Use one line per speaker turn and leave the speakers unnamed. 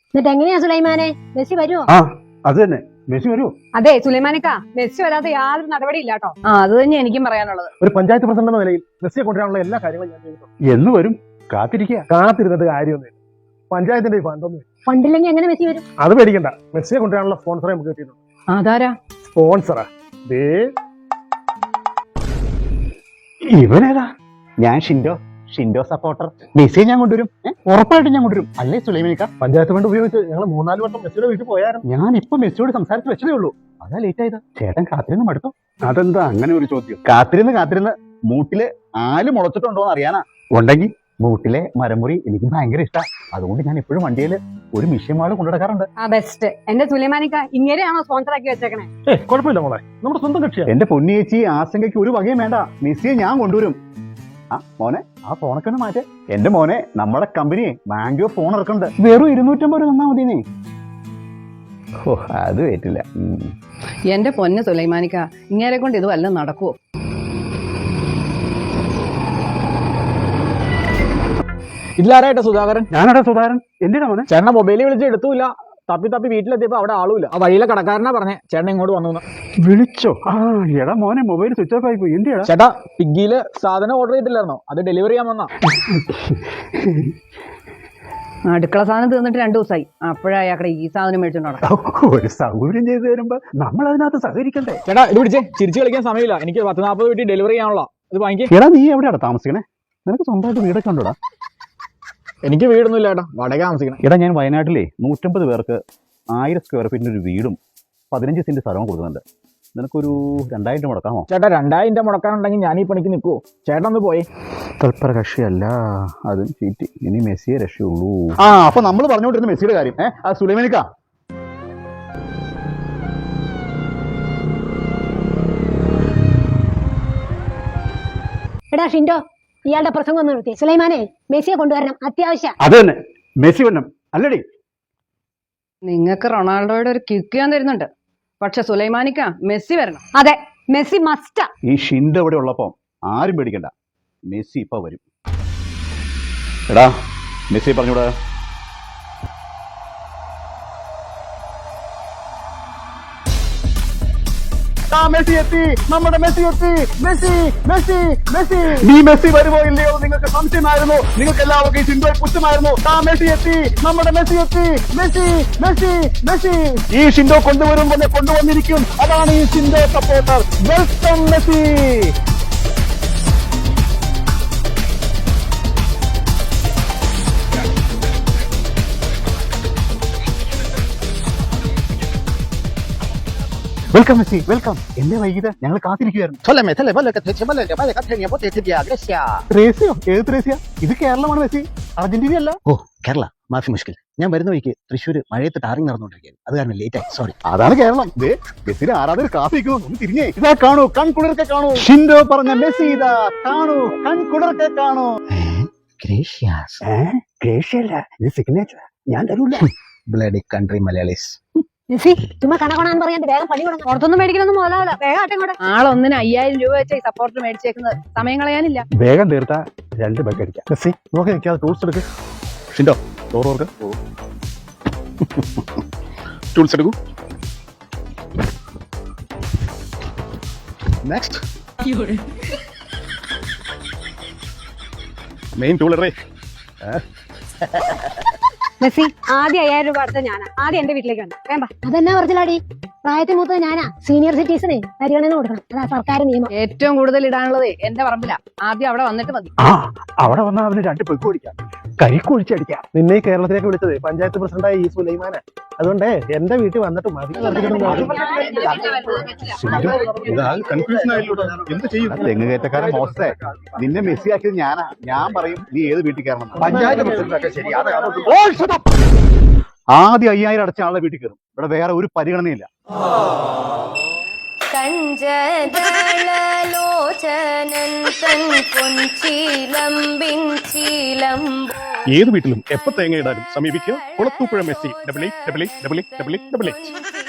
എന്നിട്ട് എങ്ങനെയാ സുലൈമാനെ, മെസ്സി വരുമോ?
ആ അത് തന്നെ, മെസ്സി വരുമോ?
അതെ സുലൈമാനിക്ക, മെസ്സി വരാത്ത യാതൊരു നടപടി ഇല്ലാട്ടോ. അത് തന്നെ എനിക്കും പറയാനുള്ളത്.
ഒരു പഞ്ചായത്ത് പ്രസിഡന്റ് എന്ന നിലയിൽ മെസ്സിയെ കൊണ്ടുവരാനുള്ള എല്ലാ കാര്യങ്ങളും ഞാൻ ചെയ്തിട്ടുണ്ട്. എന്ന് വരും? കാത്തിരുന്നിട്ട് കാര്യമൊന്നുമില്ല. പഞ്ചായത്തിന്റെ ഫണ്ടൊന്നും
ഫണ്ടില്ലെങ്കിൽ എങ്ങനെ മെസ്സി വരും?
അത് പേടിക്കണ്ട, മെസ്സിയെ കൊണ്ടുവരാനുള്ള സ്പോൺസറെ നമുക്ക് കിട്ടിയിട്ടുണ്ട്.
അതാരാ
സ്പോൺസറാ? ഇവനേതാ?
ഞാൻ ഷിൻഡോ സപ്പോർട്ടർ. മെസ്സിയെ ഞാൻ കൊണ്ടുവരും, ഉറപ്പായിട്ടും ഞാൻ കൊണ്ടുവരും. അല്ലേ സുലൈമാനിക്ക?
പഞ്ചായത്ത് ഫണ്ട് ഉപയോഗിച്ച് ഞങ്ങൾ 3-4 വട്ടം മെസ്സിയുടെ വീട്ടിൽ പോയായിരുന്നു.
ഞാൻ ഇപ്പൊ മെസ്സിയോട് സംസാരിച്ച് വെച്ചതേ ഉള്ളൂ. അതാ ലേറ്റ് ആയത്. ചേട്ടൻ കാത്തിരുന്ന് മടുത്തു.
അതെന്താ അങ്ങനെ ഒരു ചോദ്യം?
കാത്തിരുന്ന് മൂട്ടില് ആല് മുളച്ചിട്ടുണ്ടോന്ന് അറിയാനാ. ഉണ്ടെങ്കിൽ മൂട്ടിലെ മരമുറി എനിക്ക് ഭയങ്കര ഇഷ്ടമാണ്. അതുകൊണ്ട് ഞാൻ എപ്പോഴും വണ്ടിയിൽ ഒരു മിഷ്യമാള് കൊണ്ടുനടക്കാറുണ്ട്.
ബെസ്റ്റ്. എന്റെ സുലൈമാനിക്ക ഇങ്ങനെയാണോ സ്പോൺസർ ആക്കി വെച്ചേക്കണേ?
കുഴപ്പമില്ല മോളെ, നമ്മുടെ സ്വന്തം കക്ഷിയാണ്.
എന്റെ പൊന്നിയേച്ചി, ആശങ്കയ്ക്ക് ഒരു വകയും വേണ്ട. മെസ്സിയെ ഞാൻ കൊണ്ടുവരും. മോനെ, ആ ഫോണൊക്കെ ഒന്ന് മാറ്റേ. എന്റെ മോനെ, നമ്മുടെ കമ്പനി മാംഗോ ഫോൺ ഇറക്കുന്നുണ്ട്. വെറും 250 രൂപ തന്നാ മതിനേ. ഓ, അത് പറ്റില്ല.
എന്റെ പൊന്ന് സുലൈമാനിക്ക, ഇങ്ങനെ കൊണ്ട് ഇത് വല്ലതും നടക്കുവോ?
ഇതിലാരായിട്ടാ സുധാകരൻ?
ഞാനടാ സുധാകരൻ. എന്തിനാ മോനെ?
ചേട്ടനെ മൊബൈലിൽ വിളിച്ച് എടുത്തൂല. തപ്പി വീട്ടിലെത്തിയപ്പോ അവിടെ ആളുമില്ല. ആ വഴിയിലെ കടക്കാരനാ പറഞ്ഞേ ചേട്ടൻ ഇങ്ങോട്ട് വന്നു.
വിളിച്ചോ? എടാ മോനെ, മൊബൈൽ സ്വിച്ച് ഓഫ് ആയി പോയി. എന്തിയാ
ചേട്ടാ, പിഗ്ഗിയില് സാധനം ഓർഡർ ചെയ്തില്ലായിരുന്നോ? അത് ഡെലിവറി ചെയ്യാൻ വന്നാ.
അടുക്കള സാധനം തീർന്നിട്ട് 2 ദിവസമായി. അപ്പോഴായാക്കടെ ഈ സാധനം മേടിച്ചോണ്ട്
ഒരു സൗകര്യം ചെയ്തു തരുമ്പോ നമ്മൾ അതിനകത്ത് സഹകരിക്കണ്ടേ?
ചേട്ടാ, ഇത് പിടിച്ചേ. ചിരിച്ചു കളിക്കാൻ സമയമില്ല. എനിക്ക് 10-40 വീട്ടിൽ ഡെലിവറി ചെയ്യാനുള്ള ഇത് വാങ്ങിക്കേ.
എടാ, നീ എവിടെയാണ് താമസിക്കണേ? നിനക്ക് സ്വന്തമായിട്ട് വീടൊക്കെ ഉണ്ടോടാ?
എനിക്ക് വീടൊന്നും ഇല്ല ചേട്ടാ, വാടക താമസിക്കണം.
എടാ, ഞാൻ വയനാട്ടിലെ 150 പേർക്ക് 1000 സ്ക്വയർ ഫീറ്റിന്റെ ഒരു വീടും 15 സെന്റ് സ്ഥലവും കൊടുക്കുന്നുണ്ട്. നിനക്കൊരു 2000 മുടക്കാമോ?
ചേട്ടാ, 2000 മുടക്കാനുണ്ടെങ്കിൽ ഞാൻ ഈ പണിക്ക് നിൽക്കുവോ? ചേട്ടൻ ഒന്ന് പോയി.
തൽപര കക്ഷിയല്ല, അതും ചീറ്റി. ഇനി മെസ്സിയെ രക്ഷയുള്ളൂ. അപ്പൊ നമ്മൾ പറഞ്ഞുകൊണ്ടിരുന്ന മെസ്സിയുടെ കാര്യം സുലൈമാനിക്ക.
എടാ ഷിൻഡോ, ഇയാളുടെ പ്രസംഗം ഒന്ന് നിർത്തി. സുലൈമാനെ, മെസ്സിയെ കൊണ്ടുവരണം, അത്യാവശ്യം.
അത് തന്നെ, മെസ്സി വരണം. അല്ലടി,
നിങ്ങൾക്ക് റൊണാൾഡോയുടെ ഒരു കിക്ക് ഞാൻ തരുന്നുണ്ട്. പക്ഷെ സുലൈമാനിക്ക, മെസ്സി വരണം.
അതെ, മെസ്സി മസ്റ്റാ.
ഈ ഷിൻഡ് ഇവിടെ ഉള്ളപ്പോ ആരും പേടിക്കണ്ട. മെസ്സി ഇപ്പൊ വരും. എടാ, മെസ്സി പറഞ്ഞൂടാ. മെസ്സി എത്തി, നമ്മുടെ മെസ്സി എത്തി. മെസ്സി മെസ്സി മെസ്സി നീ മെസ്സി വരുമോ ഇല്ലയോ നിങ്ങൾക്ക് സംശയമായിരുന്നു. നിങ്ങൾക്ക് എല്ലാവർക്കും ഷിൻഡോ പുച്ഛമായിരുന്നു. മെസ്സി എത്തി, നമ്മുടെ മെസ്സി എത്തി. മെസ്സി മെസ്സി മെസ്സി ഈ ഷിൻഡോ കൊണ്ടുവന്നിരിക്കും. അതാണ് ഈ ഷിൻഡോ സപ്പോർട്ടർ. Welcome Messi. Welcome Messi, welcome. എന്നെ വൈകിട്ട് ഞങ്ങൾ കാത്തിരിക്കുകയായിരുന്നു. ത്രേസ്യോ? ഏത് ത്രേസ്യ? ഇത് കേരളമാണ് മെസ്സി, അർജന്റീന അല്ല.
ഓ, കേരള മാഫി മുഷ്കിൽ. ഞാൻ വരുന്ന വഴിക്ക് തൃശ്ശൂർ മഴയത്ത് ടാറിങ് നടന്നുകൊണ്ടിരിക്കുകയാണ്. അത് കാരണം ലേറ്റ് ആയി, സോറി.
അതാണ് കേരളം. മെസ്സിനെ ആരാധകർ കാത്തിരിക്കുന്നു. ഒന്ന് തിരിഞ്ഞേ. ഇതാ കാണൂ, കൺകുളിർക്കെ കാണൂ. ഷിൻഡോ പറഞ്ഞ മെസ്സി ഇതാ കാണൂ, കൺകുളിർക്കെ കാണൂ.
ഗ്രേഷ്യാസ്.
ഗ്രേഷ്യല്ല, ഇത് സിഗ്നേച്ചർ. ഞാൻ തരൂല.
Bloody country Malayalees.
മെസ്സി ചുമ്മാ കണക്കണാന്ന് പറയാൻ വേഗം പണി കൊടുക്കണം.
പുറത്തൊന്നും മേടിക്കണമെന്ന് മുതലാവില്ല. വേഗം ആട്ടെ കൂടെ. ആളൊന്നിന് 5000 രൂപ വെച്ച ഈ സപ്പോർട്ടർ മേടിച്ചേക്കുന്നത്. സമയം കളയാനില്ല.
വേഗം തീർത്താ 2 ബഗ് അടിക്കാം. മെസ്സി നോക്കി നിൽക്കാതെ ടൂൾസ് എടുക്ക്. ഷിൻഡോ, ഡോർ ടൂൾസ് എടുക്കൂ. നെക്സ്റ്റ് മെയിൻ ടൂൾ ഇടേ.
മെസ്സി, ആദ്യം 5000 രൂപ അടുത്ത ഞാനാ. ആദ്യം എന്റെ വീട്ടിലേക്ക് വന്നു. വേണ്ട,
അതെന്നാ പറഞ്ഞാടി, പ്രായത്തിൽ മൂത്തത് ഞാനാ. സീനിയർ സിറ്റിസനെ പരിഗണന കൊടുക്കണം, അതാ സർക്കാർ നിയമം.
ഏറ്റവും കൂടുതൽ ഇടാനുള്ളത് എന്റെ പറമ്പിലാ. ആദ്യം അവിടെ വന്നിട്ട് മതി.
അവിടെ വന്നാൽ അവന് 2 പെഗ് ഓടിക്കാം, കരിക്കൊഴിച്ചടിക്കാം.
നിന്നെ ഈ കേരളത്തിലേക്ക് വിളിച്ചത് പഞ്ചായത്ത് പ്രസിഡന്റായ ഈ സുലൈമാന. അതുകൊണ്ട് എന്റെ വീട്ടിൽ വന്നിട്ട് മതി.
തെങ്ങ് കയറ്റക്കാരൻ മോശേ, നിന്നെ മെസ്സി ആക്കിയത് ഞാനാ. ഞാൻ പറയും നീ ഏത് വീട്ടിൽ കയറണം.
പഞ്ചായത്ത് പ്രസിഡന്റൊക്കെ ശരി.
ആദ്യം 5000 അടച്ച ആളുടെ വീട്ടിൽ കയറും. ഇവിടെ വേറെ ഒരു പരിഗണനയില്ല.
ഏത് വീട്ടിലും എപ്പോ തേങ്ങ ഇടാനും സമീപിക്കുക കുളത്തൂപ്പുഴ മെസ്സി. 88888888.